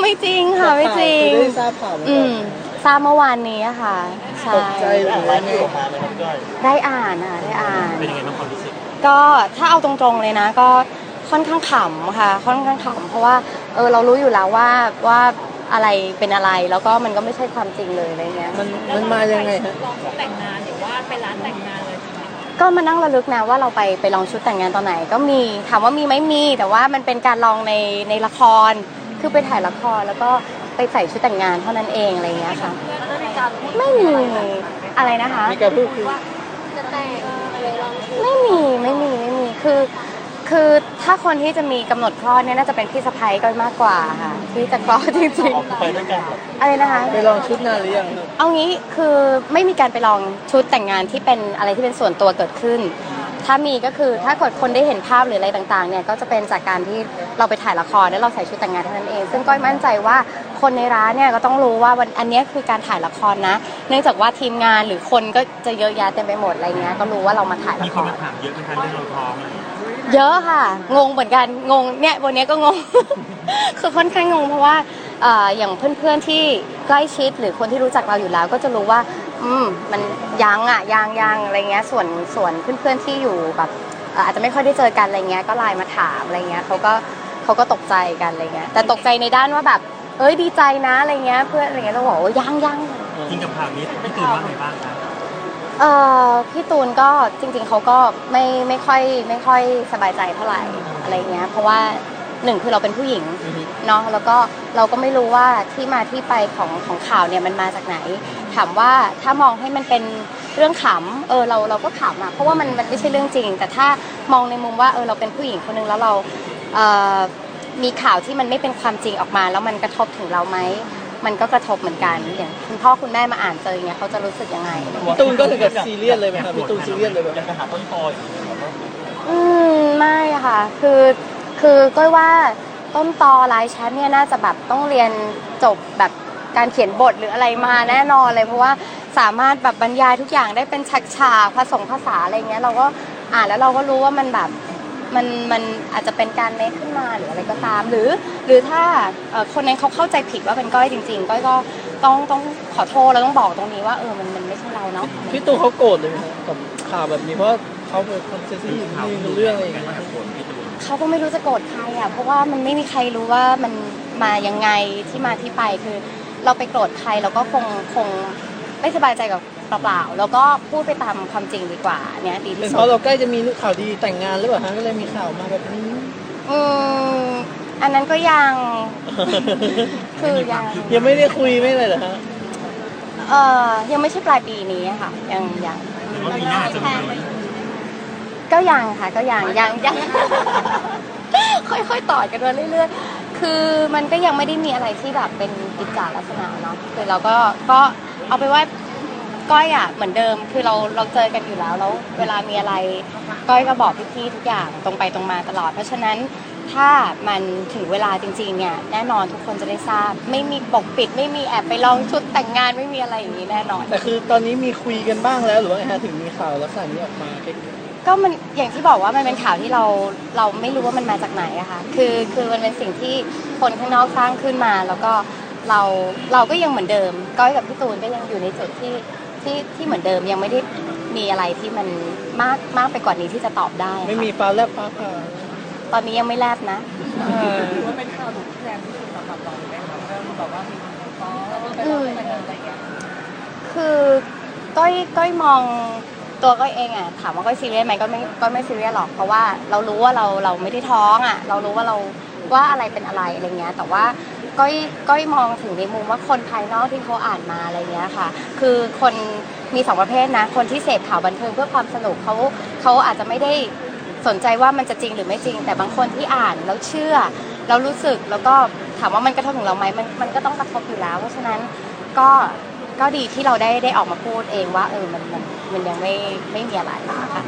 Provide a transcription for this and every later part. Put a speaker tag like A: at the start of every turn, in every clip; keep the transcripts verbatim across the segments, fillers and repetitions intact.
A: ไม่จริงค่ะไม่จริง
B: ได้ทราบข่าวไหม
A: อืมทราบเมื่อวานนี้อะค่ะใช่
B: ตกใจหรือว่าไง
A: ได้อ่านอ่ะได้อ่าน
C: เป็นยังไงบ้างความรู้สึก
A: ก็ถ้าเอาตรงๆเลยนะก็ค่อนข้างขำค่ะค่อนข้างขำเพราะว่าเออเรารู้อยู่แล้วว่าว่าอะไรเป็นอะไรแล้วก็มันก็ไม่ใช่ความจริงเลยอะไรเงี้ย
B: มันมันมายังไงฮะ
D: ลองชุดแต่งงานหรือว่าไปร้านแต่งงานเลยใช่ไหม
A: ก็มานั่งระลึกนะว่าเราไปไปลองชุดแต่งงานตอนไหนก็มีถามว่ามีไหมมีแต่ว่ามันเป็นการลองในในละครคือไปถ่ายละครแล้วก็ไปใส่ชุดแต่งงานเท่านั้นเองอะไรเงี้ยค่ะไม่มีอะไรนะคะ
B: มีการพูดคุย
D: จะแต่งอะไรลองชุด
A: ไม่มีไม่มีไม่มีคือคือถ้าคนที่จะมีกำหนดคลอดเนี่ยน่าจะเป็นพี่สะใภ้ก็มากกว่าค่ะที่จะคลอดจริง
C: ไปด้วยกัน
A: ๆอะไรนะคะ
B: ไปลองชุดนานหรือยังครับ
A: เอางี้คือไม่มีการไปลองชุดแต่งงานที่เป็นอะไรที่เป็นส่วนตัวเกิดขึ้น ถ้ามีก็คือถ้าเกิดคนได้เห็นภาพหรืออะไรต่างๆเนี่ยก็จะเป็นจากการที่เราไปถ่ายละครแล้วเราใส่ชุดแต่งงานเท่านั้นเอง ซึ่งก้อยมั่นใจว่าคนในร้านเนี่ยก็ต้องรู้ว่าวันอันนี้คือการถ่ายละครนะ เนื่องจากว่าทีมงานหรือคนก็จะเยอะแยะเต็มไปหมดอะไรเงี้ยก็รู้ว่าเรามาถ่าย
C: มี
A: ละ
C: ค
A: คน ร
C: มาถามเยอะเป็นการเรื่องเราท้องอะไรอย่างเงี้ย
A: เยอะค่ะงงเหมือนกันงงเนี่ยวันนี้ก็งง คือค่อนข้างงงเพราะว่าเอ่ออย่างเพื่อนๆที่ใกล้ชิดหรือคนที่รู้จักเราอยู่แล้ว ก็จะรู้ว่าอืมมันยังอ่ะยังยังอะไรเงี้ยส่วนส่วนเพื่อนๆที่อยู่แบบเอ่ออาจจะไม่ค่อยได้เจอกันอะไรเงี้ยก็ไลน์มาถามอะไรเงี้ยเขาก็เขาก็ตกใจกันอะไรเงี้ยแต่ตกใจในด้านว่าแบบเอ้ยดีใจนะอะไรเงี้ยเพื่อนอะไรเงี้ยเราบอกว่ายังยัง
C: จริงกับข่าวนี้พี่ตื่นว่าไงบ้างครับ
A: เอ่อพี่ตูนก็จริงๆเขาก็ไม่ไม่ค่อยไม่ค่อยสบายใจเท่าไหร่อะไรเงี้ยเพราะว่าหนึ่งคือเราเป็นผู้หญิงเนาะแล้วก็เราก็ไม่รู้ว่าที่มาที่ไปของของข่าวเนี่ยมันมาจากไหนถามว่าถ้ามองให้มันเป็นเรื่องขำเออเราเราก็ขำอะเพราะว่ามันมันไม่ใช่เรื่องจริง แต่ถ้ามองในมุมว่าเออเราเป็นผู้หญิงคนนึงแล้วเราเอ่อมีข่าวที่มันไม่เป็นความจริงออกมาแล้วมันกระทบถึงเราไหมมันก็กระทบเหมือนกันอย่างคุณพ่อคุณแม่มาอ่านเจออย่างเงี้ยเขาจะรู้สึกยังไง
B: พี่ตูนก็ถึงกับซีเรียสเลยไหมครับพี่ตูนซีเรียสเลยไหม
C: อยากจะหาต้นตออยู่
A: อืมไม่ค่ะ คือคือก้อยว่าต้นตอไลน์แชทเนี่ยน่าจะแบบต้องเรียนจบแบบการเขียนบทหรืออะไรมาแน่นอนเลยเพราะว่าสามารถแบบบรรยายทุกอย่างได้เป็นฉากฉากผสมภาษาอะไรเงี้ยเราก็อ่านแล้วเราก็รู้ว่ามันแบบมันมันอาจจะเป็นการเมคขึ้นมาหรืออะไรก็ตาม หรือหรือถ้าเอ่อคนนั้นเขาเข้าใจผิดว่าเป็นก้อยจริงๆก้อยก็ต้องต้องขอโทษแล้วต้องบอกตรงนี้ว่าเออมันมันไม่ใช่เราเนาะ
B: พี่ตูนเขาโกรธเลยไหมครับกับข่าวแบบนี้เพราะเขาเป็นคนเซนซิทีฟมีเรื่องอะไรอย่างเงี้ย
A: เขาก็ไม่รู้จะโกรธใครอ่ะเพราะว่ามันไม่มีใครรู้ว่ามันมายังไงที่มาที่ไปคือ เราไปโกรธใครเราก็คงคงไม่สบายใจกับเปล่าๆแล้วก็พูดไปตามความจริงดีกว่าเนี่ยดี
B: เป็
A: ที่
B: น
A: สุ
B: เพราะ
A: ด
B: เราใกล้จะมีข่าวดีแต่งงานหรือเปล่าฮะก็เลยมีข่าวมาแบบนี้
A: อืมอันนั้นก็ยัง คือยัง
B: ยังไม่ได้คุยไม่เลยเหรอฮะ
A: เออยังไม่ใช่ปลายปีนี้อะค่ะยังยัง
C: หรือว่าปีหน้าจะมีไหม
A: ก็ยังค่ะก็ยังยังยัง ค่อยๆต่อกันมาเรื่อยๆ คือมันก็ยังไม่ได้มีอะไรที่แบบเป็นกิจจาลักษณะเนาะคือเราก็ก็เอาไปว่าก้อยอ่ะเหมือนเดิมคือเราเราเจอกันอยู่แล้วแล้วเวลามีอะไรก้อยก็บอกพี่ๆทุกอย่างตรงไปตรงมาตลอด เพราะฉะนั้นถ้ามันถึงเวลาจริงๆเนี่ยแน่นอนทุกคนจะได้ทราบ ไม่มีปกปิด ไม่มีแอบไปลองชุดแต่งงานไม่มีอะไรอย่างนี้แน่นอน
B: แต่คือตอนนี้มีคุยกันบ้างแล้วหรือว่าไงฮะถึงมีข่าวลักษณะนี้ออกมา
A: ก็มันอย่างที่บอกว่ามันเป็นข่าวที่เราเราไม่รู้ว่ามันมาจากไหนอะค่ะคือคือมันเป็นสิ่งที่คนข้างนอกสร้างขึ้นมา แล้วก็เราเราก็ยังเหมือนเดิมก้อยกับพี่ตูนก็ยังอยู่ในจุดที่ที่ที่เหมือนเดิมยังไม่ได้มีอะไรที่มันมากมากไปกว่านี้ที่จะตอบได้ค่ะ
B: ไม่มีฟ้าแลบฟ้าผ่า
A: ตอนนี้ยังไม่แลบนะ
D: ถือว่าเป็นข่าวดุแรงที่สุดสำหรับเราไหมคะเรื่องแบบว่ามีคนฟ้องแล้วก็ไปร้องแต่งงานอะไรอย่างเงี้ย
A: คือก้อยก้อยมองตัวก้อยเองอะถามว่าก้อยซีเรียสไหมก็ไม่ก็ไม่ซีเรียสหรอกเพราะว่าเรารู้ว่าเราเราไม่ได้ท้องอะเรารู้ว่าเราว่าอะไรเป็นอะไรอะไรเงี้ยแต่ว่าก้อยก้อยมองถึงในมุมว่าคนภายนอกที่เขาอ่านมาอะไรเงี้ยค่ะคือคนมีสองประเภทนะคนที่เสพข่าวบันเทิงเพื่อความสนุกเขาเขาอาจจะไม่ได้สนใจว่ามันจะจริงหรือไม่จริง แต่บางคนที่อ่านแล้วเชื่อแล้วรู้สึกแล้วก็ถามว่ามันกระทบถึงเราไหมมันมันก็ต้องกระทบอยู่แล้วเพราะฉะนั้นก็ก็ดีที่เราได้ได้ออกมาพูดเองว่าเออมันมันมันยังไม่ไม่มีอะไรค่ะ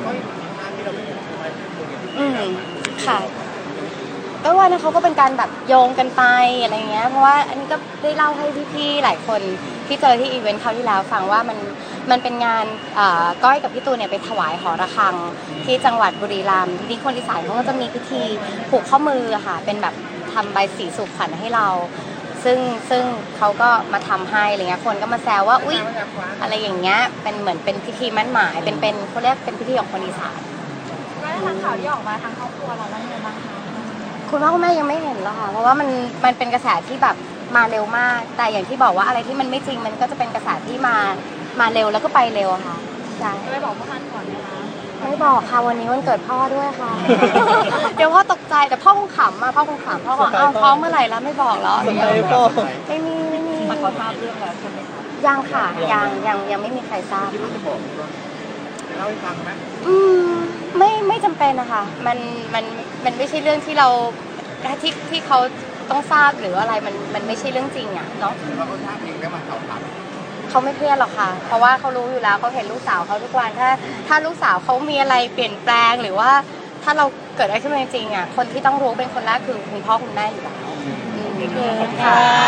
A: อืมค่ะก็ว่านะเขาก็เป็นการแบบโยงกันไปอะไรเงี้ยเพราะว่าอันนี้ก็ได้เล่าให้พี่ๆหลายคนที่เจอที่อีเวนต์คราวที่แล้วฟังว่ามันมันเป็นงานก้อยกับพี่ตูนเนี่ยไปถวายหอระฆังที่จังหวัดบุรีรัมย์ที่นี่คนอีสานเขาก็จะมีพิธีผูกข้อมือค่ะเป็นแบบทำใบสีสู่ขวัญให้เราซึ่งซึ่งเขาก็มาทำให้อะไรเงี้ยคนก็มาแซวว่าอุ๊ยอะไรอย่างเงี้ยเป็นเหมือนเป็นพิธีมั่นหมายเป็นเป็นเขาเรียกเป็นพิธีของคนอีสาน
D: แล้วทางข่าวที่ออกมาทางครอบครัวเราว่ายังไงบ้างคะ
A: คุณพ่อคุณแม่ยังไม่เห็นหรอกค่ะเพราะว่ามันมันเป็นกระแสที่แบบมาเร็วมาก แต่อย่างที่บอกว่าอะไรที่มันไม่จริงมันก็จะเป็นกระแสที่มามาเร็วแล้วก็ไปเร็วอะค่ะใช่
D: จะไปบอกพ่อท่านก่อนไหมคะ
A: ไม่บอกค่ะวันนี้วันเกิดพ่อด้วยค่ะ เดี๋ยวพ่อตกใจแต่พ่อคงขำมาพ่อคงขำพ่อบอกอ้าวท้องเมื่อไหร่แล้วไม่บอกแล้ว
B: สไปพ่อ
A: ไม่มีไม่มี
D: มันเขาทราบเรื่องแล้วใช่ไหมคะ
A: ยังค่ะยังยังยังไม่มีใครทราบ
C: จะบอกเล่าให้ฟังไหม
A: อืมไม่ไม่จำเป็นนะคะมันมันมันไม่ใช่เรื่องที่เราที่ที่เขาต้องทราบหรืออะไรมันมันไม่ใช่เรื่องจริงอ่ะเนาะ
C: เราก็ทราบเองแล้วมาสอบถาม
A: เขาไม่เครียดหรอกค่ะ เพราะว่าเขารู้อยู่แล้วเขาเห็นลูกสาวเขาทุกวันถ้าถ้าลูกสาวเขามีอะไรเปลี่ยนแปลงหรือว่าถ้าเราเกิดอะไรขึ้นมาจริงๆอ่ะคนที่ต้องรู้เป็นคนแรกคือคุณพ่อคุณแม่อยู่แล้วอืมค่ะ